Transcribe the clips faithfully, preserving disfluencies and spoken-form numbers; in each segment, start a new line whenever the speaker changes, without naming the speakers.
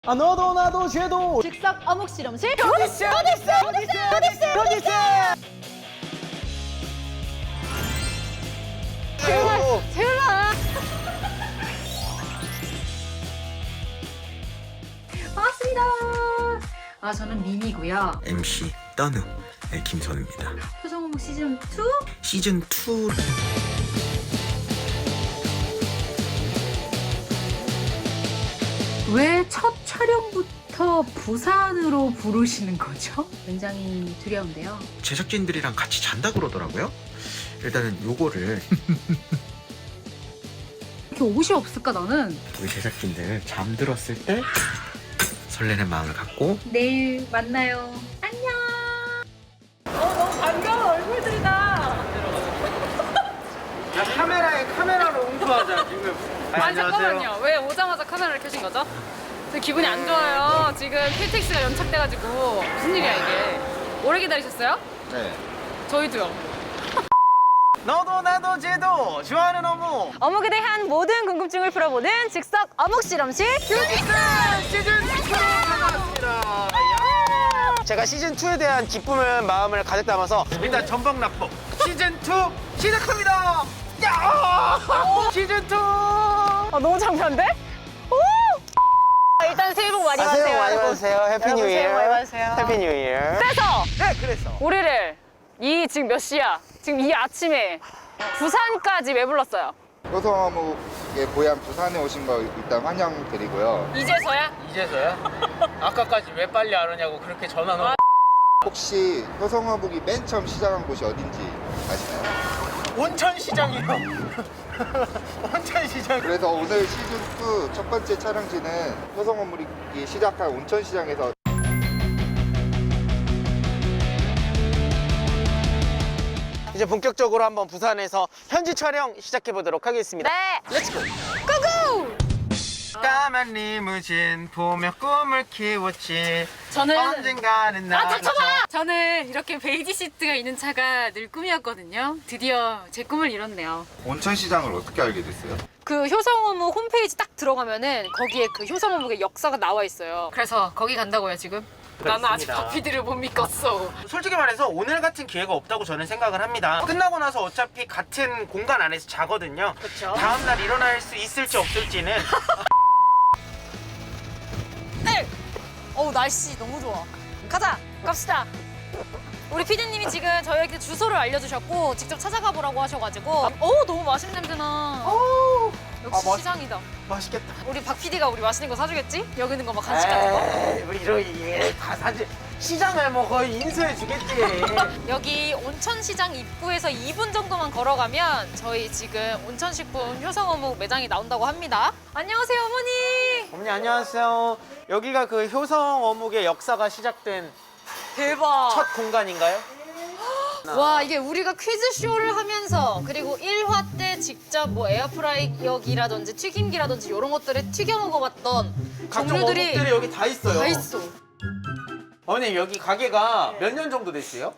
아 너도 나도 쟤도
즉석 어묵 실험실
어딨어 어딨어 어딨어 어딨어 어딨어
제발 제발 반갑습니다. 아 저는 미미고요.
엠씨 떠누 네, 김선우입니다.
표정 어묵 시즌 투
시즌 투
왜 첫 촬영부터 부산으로 부르시는 거죠? 굉장히 두려운데요.
제작진들이랑 같이 잔다 그러더라고요. 일단은 요거를
이렇게 옷이 없을까 나는?
우리 제작진들 잠들었을 때 설레는 마음을 갖고
내일 만나요. 안녕. 어 너무 반가운 얼굴들이다.
야 카메라에 카메라로 응수하자 지금.
아니 잠깐만요. 왜 오자마자 카메라를 켜신 거죠? 저 기분이 안 좋아요. 지금 케이티엑스가 연착돼가지고 무슨 일이야 이게? 오래 기다리셨어요?
네.
저희도요.
너도 나도 쟤도 좋아하는 어묵
어묵에 대한 모든 궁금증을 풀어보는 즉석 어묵 실험실.
시즌 투로 찾아왔습니다. 제가 시즌 투에 대한 기쁨을 마음을 가득 담아서 일단 전방 납법 시즌 투 시작합니다. 야! 시즌 투.
아 너무 장편데? 오! 일단 새해 복 많이
아,
받으세요.
새해 복 많이
여러분.
받으세요. 해피
여러분
뉴
새해 복 많이
이어.
받으세요.
해피 뉴 이어.
그래서
네, 그래서
우리를 이 지금 몇 시야? 지금 이 아침에 부산까지 왜 불렀어요?
효성어묵의 고향 부산에 오신 거 일단 환영드리고요.
이제서야?
이제서야? 아까까지 왜 빨리 안 오냐고 그렇게 전화 놓고.
혹시 효성어묵이 맨 처음 시작한 곳이 어딘지 아시나요?
온천시장이요. 온천시장.
그래서 오늘 시즌 투 첫 번째 촬영지는 효성어묵이 시작한 온천시장에서
이제 본격적으로 한번 부산에서 현지 촬영 시작해 보도록 하겠습니다.
네.
렛츠고.
고고!
까만 리무진 보며 꿈을 키웠지.
저는
언젠가는 나.
아, 닥쳐봐! 저는 이렇게 베이지 시트가 있는 차가 늘 꿈이었거든요. 드디어 제 꿈을 이뤘네요.
온천시장을 어떻게 알게 됐어요?
그 효성어묵 홈페이지 딱 들어가면은 거기에 그 효성어묵의 역사가 나와 있어요. 그래서 거기 간다고요, 지금? 나는 아직
그렇습니다.
박피디를 못 믿겠어.
솔직히 말해서 오늘 같은 기회가 없다고 저는 생각을 합니다. 끝나고 나서 어차피 같은 공간 안에서 자거든요.
그쵸.
다음날 일어날 수 있을지 없을지는.
네! 어우, 날씨 너무 좋아. 가자! 갑시다! 우리 피디님이 지금 저희에게 주소를 알려주셨고 직접 찾아가 보라고 하셔가지고 어우, 너무 맛있는 냄새나.
오,
역시
아, 맛-
시장이다.
맛있겠다.
우리 박 피디가 우리 맛있는 거 사주겠지? 여기 있는 거 막 간식 같은 거.
에이, 우리 이런 다 사지. 시장을 뭐 거의 인수해 주겠지.
여기 온천시장 입구에서 이 분 정도만 걸어가면 저희 지금 온천식품 효성어묵 매장이 나온다고 합니다. 안녕하세요, 어머니.
어머니 안녕하세요. 여기가 그 효성 어묵의 역사가 시작된
대박.
첫 공간인가요?
와, 이게 우리가 퀴즈쇼를 하면서 그리고 일 화 때 직접 뭐 에어프라이어기라든지 튀김기라든지 이런 것들을 튀겨 먹어봤던
각종
종류들이
어묵들이 여기 다 있어요.
다 있어.
어머니 여기 가게가 몇 년 정도 됐어요?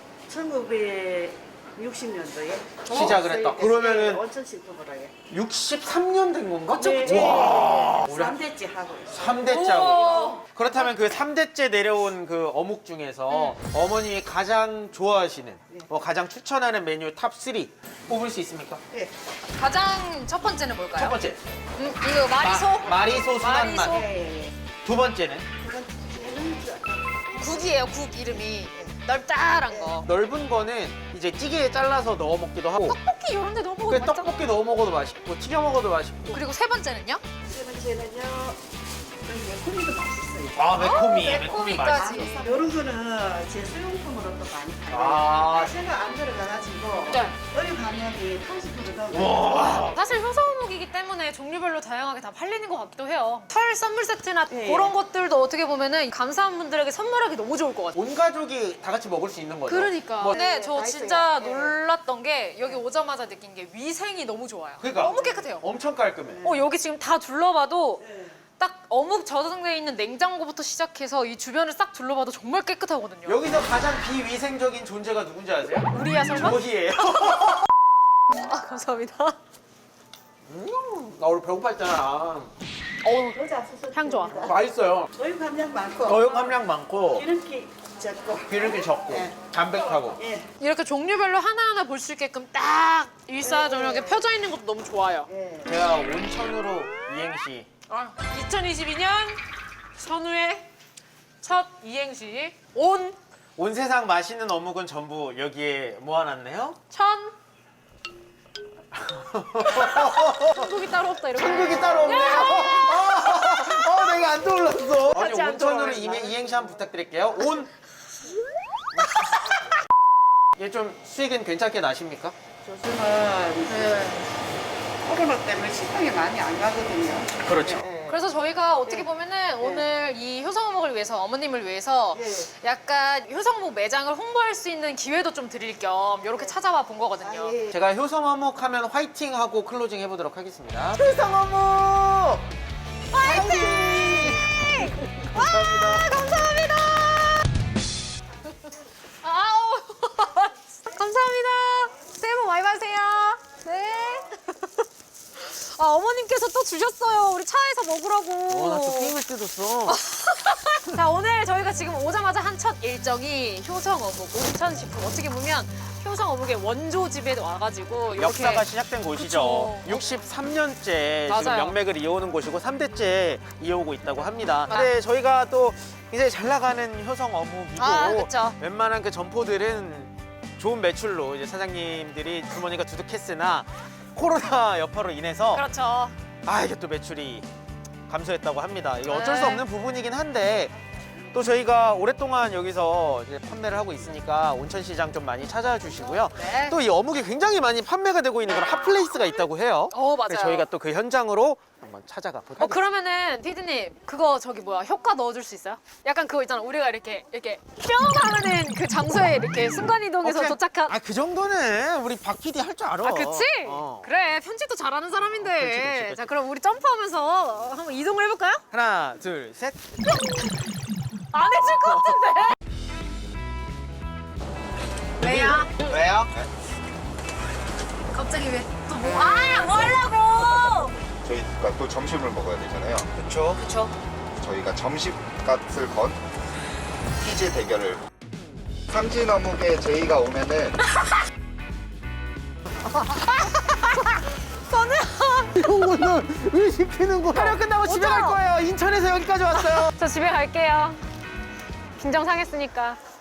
천구백육십 년도에
시작을 했다. 그러면은
온천식품으로 해.
육십삼 년 된 건가?
네,
와, 우리
삼 대째 하고 있어.
삼 대째하고. 그렇다면 그 삼 대째 내려온 그 어묵 중에서 어머님이 가장 좋아하시는 뭐 가장 추천하는 메뉴 탑 쓰리 뽑을 수 있습니까?
네.
가장 첫 번째는 뭘까요?
첫 번째
음, 이거 마리소?
마, 마리소 순한
마리소.
맛.
예, 예.
두 번째는
두 번째는 저-
국이에요, 국 이름이. 널짤한 거.
넓은 거는 이제 찌개에 잘라서 넣어 먹기도 하고
떡볶이 이런 데 넣어
그
먹어도 맛있잖아.
떡볶이 넣어 먹어도 맛있고 튀겨 먹어도 맛있고.
그리고 세 번째는요?
세 번째는요. 여기 매콤이도 맛있어요.
아 매콤이
어,
매콤이
매콤이까지.
맛있어.
이런 거는 제 수용품으로 또 많이 팔아요.
아.
제가 안 들어가가지고
네.
어디 가면 팔십 퍼센트 넣고
와.
사실 효성어묵이기 때문에 종류별로 다양하게 다 팔리는 것 같기도 해요. 설 선물 세트나
네.
그런 것들도 어떻게 보면은 감사한 분들에게 선물하기 너무 좋을 것 같아요.
온 가족이 다 같이 먹을 수 있는 거죠.
그러니까.
뭐,
근데
네,
저
맛있어요.
진짜
네.
놀랐던 게 여기 오자마자 느낀 게 위생이 너무 좋아요.
그러니까.
너무 깨끗해요.
엄청 깔끔해.
어, 여기 지금 다 둘러봐도
네.
딱 어묵 저장돼 있는 냉장고부터 시작해서 이 주변을 싹 둘러봐도 정말 깨끗하거든요.
여기서 가장 비위생적인 존재가 누군지 아세요?
우리야 설마?
저희예요.
아, 감사합니다.
음, 나 오늘 배고팠잖아.
향 좋아.
맛있어요.
어육 함량 많고
어육 함량 많고
기름기 적고
기름기 적고
예.
담백하고.
예.
이렇게 종류별로 하나하나 볼 수 있게끔 딱 일사정연하게 펴져 있는 것도 너무 좋아요.
예.
제가 온천으로 이행시.
이천이십이 년 선우의 첫 이행시 온,
온 세상 맛있는 어묵은 전부 여기에 모아놨네요.
천. 천국이 따로 없다 이렇게.
천국이 따로 없네요. 어, 어, 내가 안 떠올랐어. 아니,
같이 안
온천으로
떠올랐나?
이, 이행시 한번 부탁드릴게요. 온. 얘 좀 수익은 괜찮게 나십니까?
요즘은 코로나 때문에 식당에 많이 안 가거든요.
그렇죠.
예.
그래서 저희가 어떻게 보면은 오늘 이 효성어묵을 위해서 어머님을 위해서
예.
약간 효성어묵 매장을 홍보할 수 있는 기회도 좀 드릴 겸 이렇게 찾아와 본 거거든요.
아, 예.
제가 효성어묵 하면 화이팅 하고 클로징 해보도록 하겠습니다. 효성어묵! 화이팅! 감사합니다.
감사합니다. 아우 감사합니다. 새해 복 많이 받으세요. 네. 아 어머님께서 또 주셨어요. 우리 차에서 먹으라고.
어, 나 또 게임을 뜯었어.
자 오늘 저희가 지금 오자마자 한 첫 일정이 효성어묵 온천식품. 어떻게 보면 효성어묵의 원조집에 와가지고 이렇게
역사가 시작된 곳이죠.
그쵸.
육십삼 년째 지금
맞아요.
명맥을 이어오는 곳이고 삼 대째 이어오고 있다고 합니다.
맞아.
근데 저희가 또 이제 잘 나가는 효성 어묵이고
아, 그쵸.
웬만한 그 점포들은 좋은 매출로 이제 사장님들이 주머니가 두둑했으나 코로나 여파로 인해서
그렇죠.
아 이게 또 매출이 감소했다고 합니다. 이게 어쩔 수
네.
없는 부분이긴 한데 또 저희가 오랫동안 여기서 이제 판매를 하고 있으니까 온천시장 좀 많이 찾아와 주시고요.
네.
또 이 어묵이 굉장히 많이 판매가 되고 있는 그런 핫플레이스가 있다고 해요.
어 맞아요.
그래서 저희가 또 그 현장으로 한번 찾아가 볼까요?
어 그러면은 피디님 그거 저기 뭐야 효과 넣어줄 수 있어요? 약간 그거 있잖아 우리가 이렇게 이렇게 뿅 하면은 그 장소에 이렇게 순간 이동해서
오케이.
도착한.
아, 그 정도는 우리 박 피디 할 줄 알아.
아 그치?
어.
그래 편집도 잘하는 사람인데.
그치, 그치, 그치.
자 그럼 우리 점프하면서 한번 이동을 해볼까요?
하나, 둘, 셋.
안 해줄 것 같은데. 왜요?
왜요?
갑자기 왜 또 뭐? 아 뭐 하려고?
저희가 또 점심을 먹어야 되잖아요.
그렇죠.
그쵸.
저희가 점심값을 건 퀴즈 대결을. 삼진 어묵에 제이가 오면은
이거는 왜 시키는 거야? 촬영 끝나고 집에 갈 거예요. 인천에서 여기까지 왔어요.
저 집에 갈게요. 긴장 상했으니까.